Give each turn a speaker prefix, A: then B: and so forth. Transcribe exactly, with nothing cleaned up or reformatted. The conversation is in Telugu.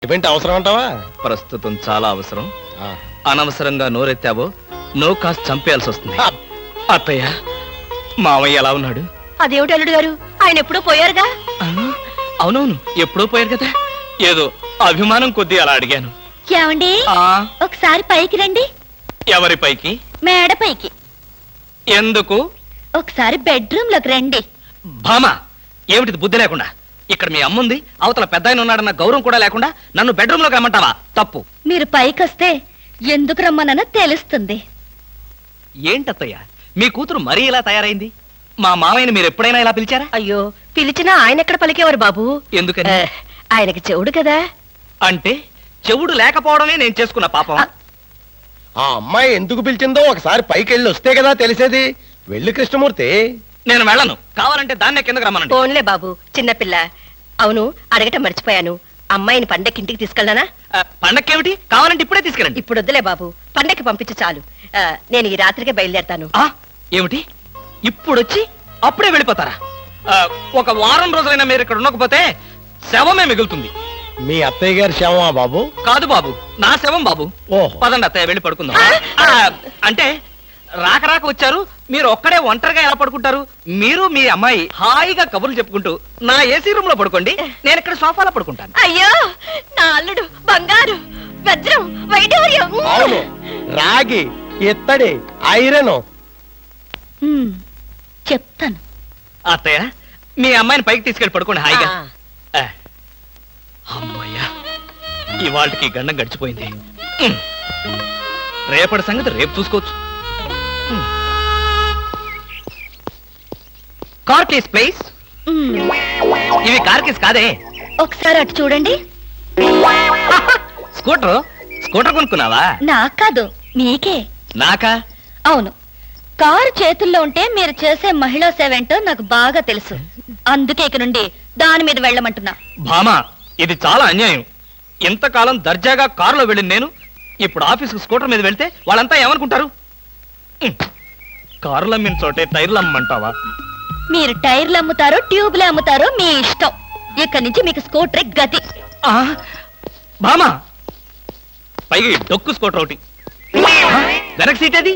A: ఇవేంటి అవసరం అంటావా?
B: ప్రస్తుతం చాలా అవసరం. అనవసరంగా నోరెత్తావో నో కాస్త చంపేయాల్సి వస్తుంది. అత్తయ్య, మావయ్య ఎలా ఉన్నాడు?
C: అదేమిటి అల్లుడు గారు, ఆయన ఎప్పుడూ పోయారుగా.
B: అవునవును, ఎప్పుడో పోయారు కదా. ఏదో అభిమానం కొద్దీ అలా అడిగాను.
C: ఏమండి, ఒకసారి పైకి రండి.
B: ఎవరి పైకి?
C: మేడ పైకి.
B: ఎందుకు?
C: ఒకసారి బెడ్రూమ్ లోకి రండి.
B: భామా, ఏమిటిది బుద్ధి లేకుండా? ఇక్కడ మీ అమ్ముంది, అవతల పెద్ద ఆయన ఉన్నాడన్న గౌరవం కూడా లేకుండా నన్ను బెడ్రూమ్ లోకి రమ్మంటావా? తప్పు.
C: మీరు పైకి వస్తే ఎందుకు రమ్మనో తెలుస్తుంది.
B: ఏంటత్తయ్య, మీ కూతురు మరీ ఇలా తయారైంది? మా మామయ్యని మీరు ఎప్పుడైనా ఇలా పిలిచారా?
C: అయ్యో, పిలిచినా ఆయన ఎక్కడ పలికేవారు బాబు.
B: ఎందుకని?
C: ఆయనకి చెవుడు కదా.
B: అంటే చెవుడు లేకపోవడమే నేను చేసుకున్న పాపం.
A: ఆ అమ్మాయి ఎందుకు పిలిచిందో ఒకసారి పైకి వెళ్ళి వస్తే కదా తెలిసేది. వెళ్ళి కృష్ణమూర్తి.
B: నేను వెళ్ళను. కావాలంటే దాన్నే కిందకు రమ్మనండి.
C: ఫోన్లే బాబు, చిన్నపిల్ల. అవును, అడగటం మర్చిపోయాను. అమ్మాయిని పండక్కి ఇంటికి తీసుకెళ్ళనా?
B: పండక్కేమిటి? కావాలంటే ఇప్పుడే తీసుకెళ్ళండి.
C: ఇప్పుడు వద్దులే బాబు, పండక్కి పంపించు చాలు. ఆ, నేను ఈ రాత్రికే బయలుదేరతాను.
B: ఆ ఏమిటి, ఇప్పుడొచ్చి అప్పుడే వెళ్ళిపోతారా? ఆ, ఒక వారం రోజులైనా మీరు ఇక్కడ ఉండకపోతే శవమే మిగులుతుంది.
A: మీ అత్తయ్య గారి శవమా బాబు?
B: కాదు బాబు, నా శవం బాబు.
A: ఓహో.
B: పదండి అత్తయ్య, వెళ్ళి పడుకుందాం. ఆ, అంటే రాక రాక వచ్చారు, మీరు ఒక్కడే ఒంటరిగా ఎలా పడుకుంటారు? మీరు మీ అమ్మాయి హాయిగా కబుర్లు చెప్పుకుంటూ నా ఏసీ రూమ్ లో పడుకోండి, నేను ఇక్కడ సోఫాలో పడుకుంటాను.
C: అయ్యో, నా అల్లుడు బంగారు, వజ్రం, వైఢూర్యం.
A: అవును, రాగి, ఇత్తడి, ఐరన్.
C: చెప్తాను.
B: అత్తయ్య, మీ అమ్మాయిని పైకి తీసుకెళ్ళి పడుకోండి హాయిగా. ఆ, అమ్మయ్యా, ఇవాళకి గండం గడిచిపోయింది. ఉమ్. రేపటి సంగతి రేపు చూసుకోవచ్చు. Car keys please. ఇవి కార్ కేస్ కాదే.
C: ఒకసారి అటు చూడండి.
B: స్కూటర్ స్కూటర్ కొనుక్కున్నావా?
C: నాకు కాదు, మీకే.
B: నాకా?
C: అవును, కారు చేతుల్లో ఉంటే మీరు చేసే మహిళా సేవ ఏంటో నాకు బాగా తెలుసు. అందుకే ఇక నుండి దాని మీద వెళ్ళమంటున్నా.
B: భామా, ఇది చాలా అన్యాయం. ఇంతకాలం దర్జాగా కారులో వెళ్ళింది నేను, ఇప్పుడు ఆఫీసుకు స్కూటర్ మీద వెళ్తే వాళ్ళంతా ఏమనుకుంటారు? ఉమ్. కారులు అమ్మిన చోటే టైర్లు అమ్మంటావా?
C: మీరు టైర్లు అమ్ముతారో ట్యూబ్లు అమ్ముతారో మీ ఇష్టం. ఇక్కడి నుంచి మీకు స్కూటర్ గతి.
B: ఆ, భామా, పైగా ఈ డొక్కు స్కూటర్ ఒకటి. ఆ, వెనక సీట్ అది.